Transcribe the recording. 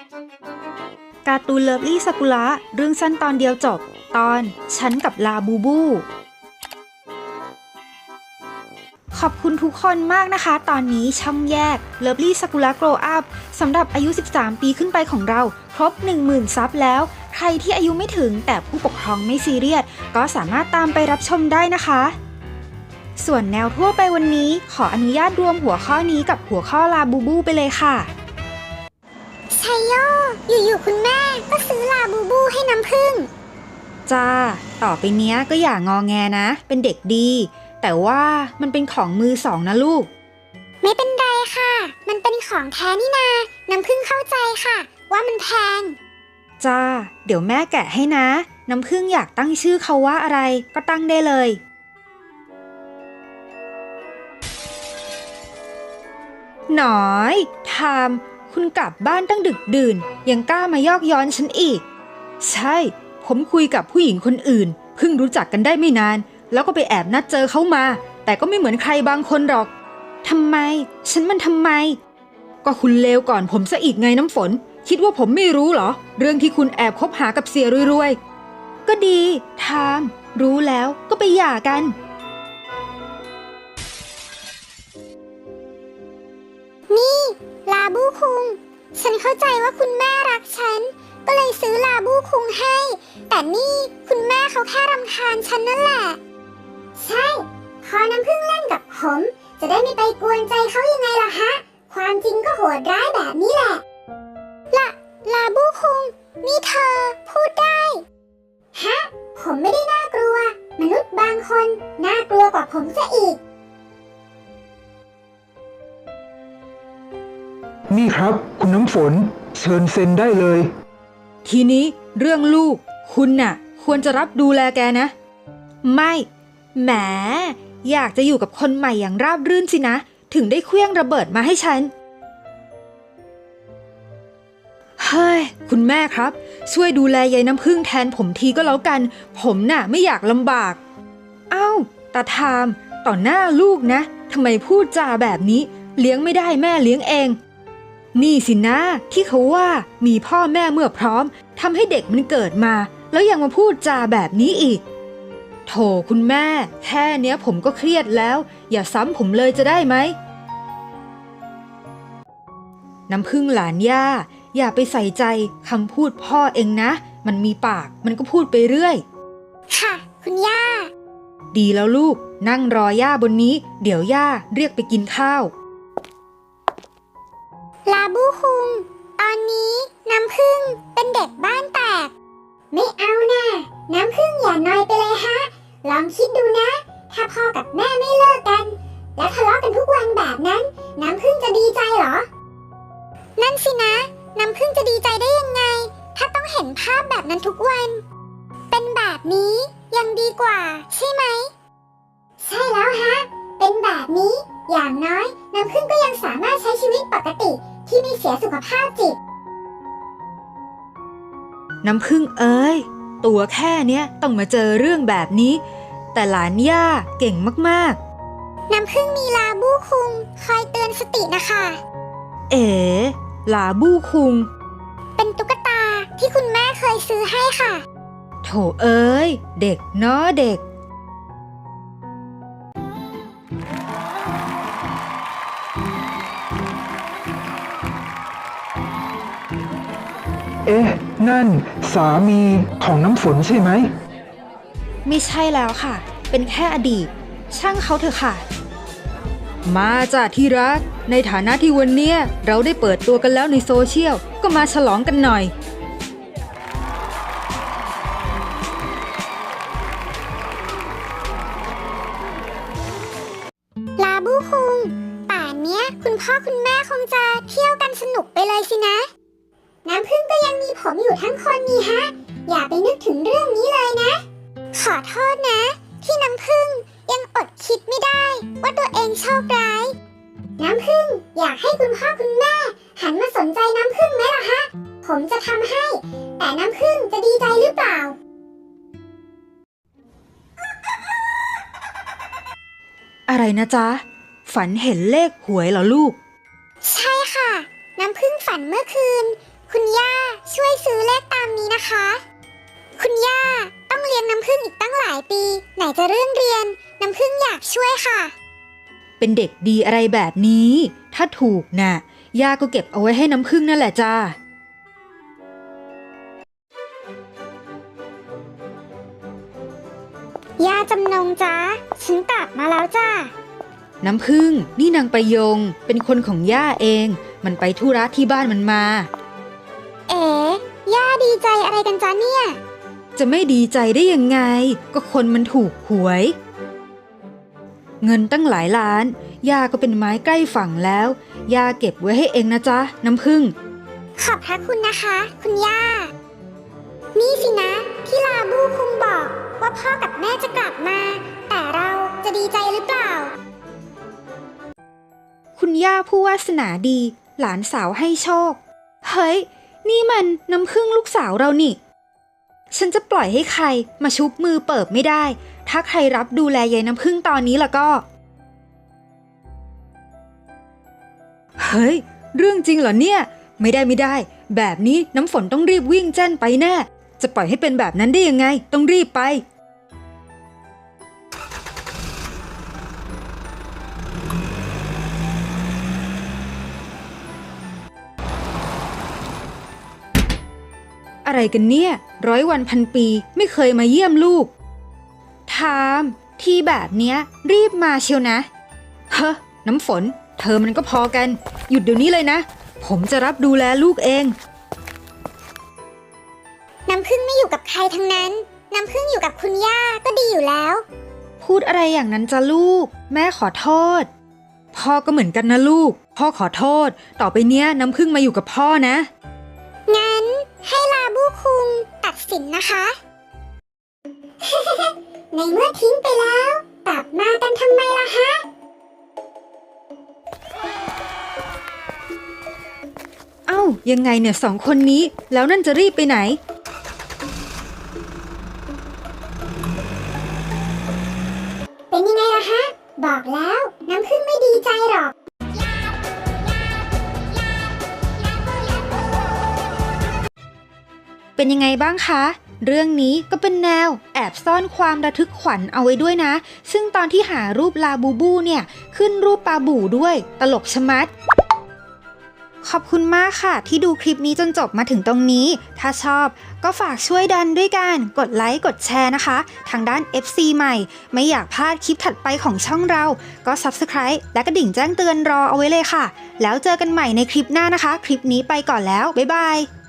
การ์ตูนเลิฟลี่ซากุระเรื่องสั้นตอนเดียวจบตอนฉันกับลาบูบูขอบคุณทุกคนมากนะคะตอนนี้ช่องแยก Lovely Sakura Grow Up สำหรับอายุ 13 ปีขึ้นไปของเราครบ 10,000 ซับแล้วใครที่อายุไม่ถึงแต่ผู้ปกครองไม่ซีเรียสก็สามารถตามไปรับชมได้นะคะส่วนแนวทั่วไปวันนี้ขออนุญาตรวมหัวข้อนี้กับหัวข้อลาบูบูไปเลยค่ะชัยโยอยู่ๆคุณแม่ก็ซื้อลาบูบูให้น้ำผึ้งจ้าต่อไปเนี้ยก็อย่างอแงนะเป็นเด็กดีแต่ว่ามันเป็นของมือสองนะลูกไม่เป็นไรค่ะมันเป็นของแท้นี่นาน้ำผึ้งเข้าใจค่ะว่ามันแพงจ้าเดี๋ยวแม่แกะให้นะน้ำผึ้งอยากตั้งชื่อเขาว่าอะไรก็ตั้งได้เลยหนอยทามคุณกลับบ้านตั้งดึกดื่นยังกล้ามายอกย้อนฉันอีกใช่ผมคุยกับผู้หญิงคนอื่นเพิ่งรู้จักกันได้ไม่นานแล้วก็ไปแอบนัดเจอเขามาแต่ก็ไม่เหมือนใครบางคนหรอกทำไมฉันมันทำไมก็คุณเลวก่อนผมซะอีกไงน้ำฝนคิดว่าผมไม่รู้เหรอเรื่องที่คุณแอบคบหากับเสียรวยๆก็ดีทามรู้แล้วก็ไปหย่ากันนี่ลาบูคุงฉันเข้าใจว่าคุณแม่รักฉันก็เลยซื้อลาบูคุงให้แต่นี่คุณแม่เขาแค่รำคาญฉันนั่นแหละใช่พอน้ำผึ้งเล่นกับผมจะได้ไม่ไปกวนใจเขายังไงล่ะฮะความจริงก็โหดร้ายแบบนี้แหละลาบูคุงนี่เธอพูดได้ฮะผมไม่ได้น่ากลัวมนุษย์บางคนน่ากลัวกว่าผมซะอีกนี่ครับคุณน้ำฝนเชิญเซ็นได้เลยทีนี้เรื่องลูกคุณน่ะควรจะรับดูแลแกนะไม่แหมอยากจะอยู่กับคนใหม่อย่างราบรื่นสินะถึงได้เคลื่องระเบิดมาให้ฉันเฮ้ยคุณแม่ครับช่วยดูแลยายน้ำผึ้งแทนผมทีก็แล้วกันผมน่ะไม่อยากลำบากเอ้าตาทามต่อหน้าลูกนะทำไมพูดจาแบบนี้เลี้ยงไม่ได้แม่เลี้ยงเองนี่สินะที่เขาว่ามีพ่อแม่เมื่อพร้อมทำให้เด็กมันเกิดมาแล้วยังมาพูดจาแบบนี้อีกโถคุณแม่แค่เนี้ยผมก็เครียดแล้วอย่าซ้ำผมเลยจะได้ไหมน้ำผึ้งหลานย่าอย่าไปใส่ใจคำพูดพ่อเองนะมันมีปากมันก็พูดไปเรื่อยค่ะคุณย่าดีแล้วลูกนั่งรอย่าบนนี้เดี๋ยวย่าเรียกไปกินข้าวลาบูคุงตอนนี้น้ำผึ้งเป็นเด็กบ้านแตกไม่เอานะน้ำผึ้งอย่าน้อยไปเลยฮะลองคิดดูนะถ้าพ่อกับแม่ไม่เลิกกันแล้วทะเลาะกันทุกวันแบบนั้นน้ำผึ้งจะดีใจเหรอนั่นสินะน้ำผึ้งจะดีใจได้ยังไงถ้าต้องเห็นภาพแบบนั้นทุกวันเป็นแบบนี้ยังดีกว่าใช่ไหมใช่แล้วฮะเป็นแบบนี้อย่างน้อยน้ำผึ้งก็ยังสามารถใช้ชีวิตปกติที่ไม่เสียสุขภาพจิตน้ำผึ้งเอ้ยตัวแค่เนี้ยต้องมาเจอเรื่องแบบนี้แต่หลานย่าเก่งมากๆน้ำผึ้งมีลาบูคุงคอยเตือนสตินะคะเอ๋ลาบูคุงเป็นตุ๊กตาที่คุณแม่เคยซื้อให้ค่ะโถเอ้ยเด็กเนาะเด็กเอ๊ะนั่นสามีของน้ำฝนใช่ไหมไม่ใช่แล้วค่ะเป็นแค่อดีตช่างเขาเถอะค่ะมาจ้ะที่รักในฐานะที่วันเนี้ยเราได้เปิดตัวกันแล้วในโซเชียลก็มาฉลองกันหน่อยลาบูคุงป่านเนี้ยคุณพ่อคุณแม่คงจะเที่ยวกันสนุกไปเลยสินะน้ำผึ้งก็ยังมีผมอยู่ทั้งคนนี่ฮะอย่าไปนึกถึงเรื่องนี้เลยนะขอโทษนะที่น้ำผึ้งยังอดคิดไม่ได้ว่าตัวเองโชคร้ายน้ำผึ้งอยากให้คุณพ่อคุณแม่หันมาสนใจน้ำผึ้งไหมล่ะฮะผมจะทำให้แต่น้ำผึ้งจะดีใจหรือเปล่าอะไรนะจ๊ะฝันเห็นเลขหวยเหรอลูกใช่ค่ะน้ำผึ้งฝันเมื่อคืนคุณย่าช่วยซื้อเลขตามนี้นะคะ คุณย่าต้องเลี้ยงน้ำผึ้งอีกตั้งหลายปี ไหนจะเรื่องเรียน น้ำผึ้งอยากช่วยค่ะเป็นเด็กดีอะไรแบบนี้ ถ้าถูกน่ะย่าก็เก็บเอาไว้ให้น้ำผึ้งนั่นแหละจ้าย่าจำนงจ้าฉันกลับมาแล้วจ้าน้ำผึ้งนี่นางประยงเป็นคนของย่าเอง มันไปธุระที่บ้านมันมาเอ๋ย่าดีใจอะไรกันจ้าเนี่ยจะไม่ดีใจได้ยังไง ก็คนมันถูกหวย เงินตั้งหลายล้านย่าก็เป็นไม้ใกล้ฝั่งแล้วย่าเก็บไว้ให้เองนะจ๊ะน้ำผึ้งขอบพระคุณนะคะ คุณย่า นี่สินะ ที่ลาบูคุงบอกว่าพ่อกับแม่จะกลับมา แต่เราจะดีใจหรือเปล่าคุณย่าผู้วาสนาดี หลานสาวให้โชค เฮ้ย นี่มันน้ำผึ้งลูกสาวเรานี่ ฉันจะปล่อยให้ใครมาชุบมือเปิบไม่ได้ ถ้าใครรับดูแลยายน้ำผึ้งตอนนี้ล่ะก็ เฮ้ย เรื่องจริงเหรอเนี่ย ไม่ได้ แบบนี้น้ำฝนต้องรีบวิ่งแจ้นไปแน่ จะปล่อยให้เป็นแบบนั้นได้ยังไง ต้องรีบไป อะไรกันเนี่ย100 วันพันปีไม่เคยมาเยี่ยมลูกทามที่แบบเนี้ยรีบมาเชียวนะเฮ้อน้ำฝนเธอมันก็พอกันหยุดเดี๋ยวนี้เลยนะผมจะรับดูแลลูกเองน้ำผึ้งไม่อยู่กับใครทั้งนั้น น้ำผึ้งอยู่กับคุณย่าก็ดีอยู่แล้วพูดอะไรอย่างนั้นจ้ะลูกแม่ขอโทษพ่อก็เหมือนกันนะลูกพ่อขอโทษต่อไปเนี้ยน้ำผึ้งมาอยู่กับพ่อนะงั้นให้ลาบูคุงตัดสินนะคะ ในเมื่อทิ้งไปแล้ว กลับมากันทำไมล่ะฮะเอ้ายังไงเนี่ย2 คนนี้แล้วนั่นจะรีบไปไหนเป็นยังไงล่ะฮะ บอกแล้วน้ำผึ้งไม่ดีใจหรอกเป็นยังไงบ้างคะ เรื่องนี้ก็เป็นแนวแอบซ่อนความระทึกขวัญเอาไว้ด้วยนะ ซึ่งตอนที่หารูปลาบูบูเนี่ยขึ้นรูปปลาบู่ด้วยตลกชะมัด ขอบคุณมากค่ะที่ดูคลิปนี้จนจบมาถึงตรงนี้ ถ้าชอบก็ฝากช่วยดันด้วยกันกดไลค์กดแชร์นะคะ ทางด้าน FC ใหม่ไม่อยากพลาดคลิปถัดไปของช่องเราก็ Subscribe และกระดิ่งแจ้งเตือนรอเอาไว้เลยค่ะ แล้วเจอกันใหม่ในคลิปหน้านะคะ คลิปนี้ไปก่อนแล้วบ๊ายบาย